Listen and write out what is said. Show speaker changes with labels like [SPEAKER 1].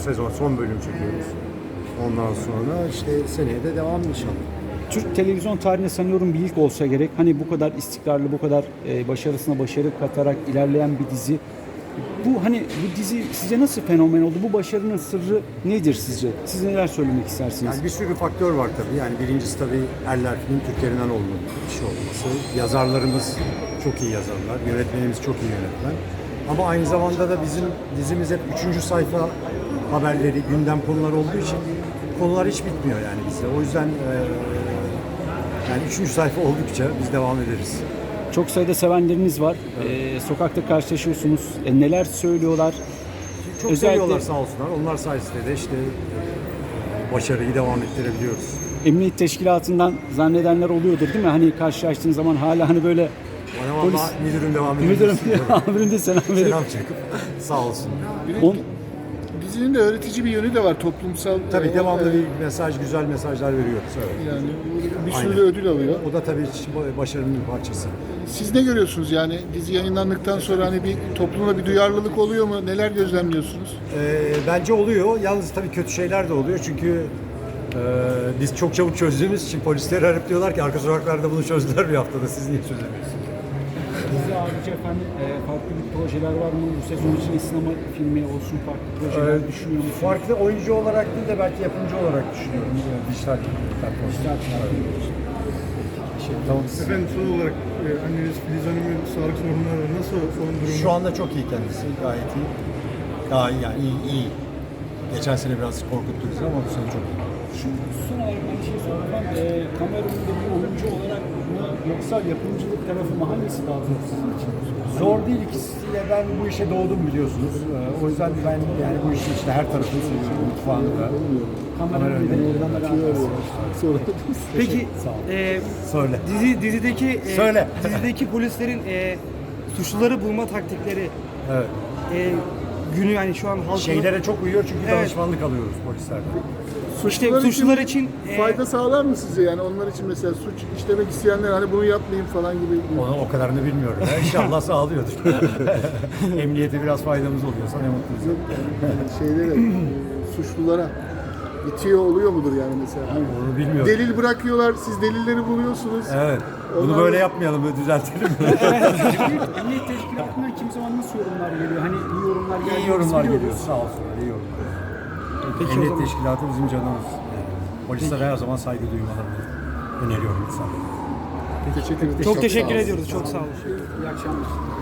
[SPEAKER 1] sezon, son bölüm çekiyoruz. Ondan sonra işte seneye de devam inşallah.
[SPEAKER 2] Türk televizyon tarihinde sanıyorum bir ilk olsa gerek. Hani bu kadar istikrarlı, bu kadar başarısına başarı katarak ilerleyen bir dizi. Bu hani bu dizi sizce nasıl fenomen oldu? Bu başarının sırrı nedir sizce? Siz neler söylemek istersiniz?
[SPEAKER 1] Yani bir sürü faktör var tabii. Yani birincisi tabii Erler Film Türklerinden olmalı bir şey olması. Yazarlarımız çok iyi yazarlar. Yönetmenimiz çok iyi yönetmen. Ama aynı zamanda da bizim dizimiz hep 3. sayfa haberleri, gündem konuları olduğu için konular hiç bitmiyor yani bizde. O yüzden yani 3. sayfa oldukça biz devam ederiz.
[SPEAKER 2] Çok sayıda sevenleriniz var. Sokakta karşılaşıyorsunuz. Neler söylüyorlar?
[SPEAKER 1] Çok seviyorlar sağ olsunlar. Onlar sayesinde de işte başarıyı devam ettirebiliyoruz.
[SPEAKER 2] Emniyet teşkilatından zannedenler oluyordur değil mi? Hani karşılaştığın zaman hala hani böyle
[SPEAKER 1] Bana
[SPEAKER 2] polis...
[SPEAKER 1] valla müdürüm devam ediyor.
[SPEAKER 2] Amirim de selam veriyor.
[SPEAKER 1] Selam çekip sağ olsun.
[SPEAKER 3] Dizinin de öğretici bir yönü de var toplumsal.
[SPEAKER 1] Tabii devamlı bir mesaj, güzel mesajlar veriyoruz. Evet.
[SPEAKER 3] Yani bir sürü
[SPEAKER 1] Aynen.
[SPEAKER 3] de ödül alıyor.
[SPEAKER 1] O da tabii başarının bir parçası.
[SPEAKER 3] Siz ne görüyorsunuz yani dizi yayınlandıktan sonra hani bir toplumda bir duyarlılık oluyor mu? Neler gözlemliyorsunuz?
[SPEAKER 1] Bence oluyor. Yalnız tabii kötü şeyler de oluyor. Çünkü biz çok çabuk çözdüğümüz için polisleri arayıp diyorlar ki arka sokaklarda bunu çözdüler bir haftada. Siz niye çözemiyorsunuz?
[SPEAKER 2] Dizi harici efendim farklı bir projeler var mı? Bu sezon için sinema filmi olsun farklı projeler düşünüyor musunuz?
[SPEAKER 1] Farklı oyuncu olarak değil de belki yapımcı olarak düşünüyorum. Dijital platformlar. Tamam.
[SPEAKER 4] Efendim son olarak anneniz Filiz Hanım'ın sağlık sorunları var. Nasıl son durumu?
[SPEAKER 1] Şu anda çok iyi kendisi. Gayet iyi. Daha iyi yani iyi. Geçen sene biraz korkuttu bizi ama bu sene çok iyi.
[SPEAKER 2] Şu son olarak ben bir şey soracağım. Kamera önünde bir oyuncu olarak mı yoksa yapımcılık tarafı mı hangisi daha zor sizin için?
[SPEAKER 1] Zor değil ikisiyle. Ben bu işe doğdum biliyorsunuz. O yüzden ben yani bu işin işte her tarafını seviyorum. Mutfağını da.
[SPEAKER 2] Kamera önünde
[SPEAKER 5] Peki
[SPEAKER 1] Söyle.
[SPEAKER 5] dizideki polislerin suçluları bulma taktikleri
[SPEAKER 1] Evet.
[SPEAKER 5] günü yani şu an halkın
[SPEAKER 1] Şeylere çok uyuyor çünkü
[SPEAKER 5] Evet.
[SPEAKER 1] danışmanlık alıyoruz polislerden.
[SPEAKER 5] suçlular için
[SPEAKER 3] fayda sağlar mı sizce yani onlar için mesela suç işlemek isteyenler hani bunu yapmayayım falan gibi
[SPEAKER 1] Onu o kadarını bilmiyorum. İnşallah sağlıyordur. Emniyete biraz faydamız oluyorsa ne mutlu bize.
[SPEAKER 3] şeylere suçlulara itiyor oluyor mudur yani mesela?
[SPEAKER 1] Onu bilmiyorum.
[SPEAKER 3] Delil bırakıyorlar, siz delilleri buluyorsunuz.
[SPEAKER 1] Evet. Bunu
[SPEAKER 3] Onlar-
[SPEAKER 1] böyle yapmayalım, böyle düzeltelim.
[SPEAKER 2] Emniyet teşkilatından kim zaman nasıl yorumlar geliyor? Hani iyi yorumlar geliyor.
[SPEAKER 1] İyi yorumlar
[SPEAKER 2] biz
[SPEAKER 1] geliyor.
[SPEAKER 2] biliyoruz.
[SPEAKER 1] Sağ olsunlar. İyi yorumlar.
[SPEAKER 5] Peki o
[SPEAKER 1] Emniyet
[SPEAKER 5] zaman-
[SPEAKER 1] teşkilatı bizim canımız. Polislere her zaman saygı duymalarını öneriyorum insanlara.
[SPEAKER 3] Teşekkür ederim.
[SPEAKER 5] çok teşekkür ediyoruz. Çok sağ olun.
[SPEAKER 2] İyi akşamlar.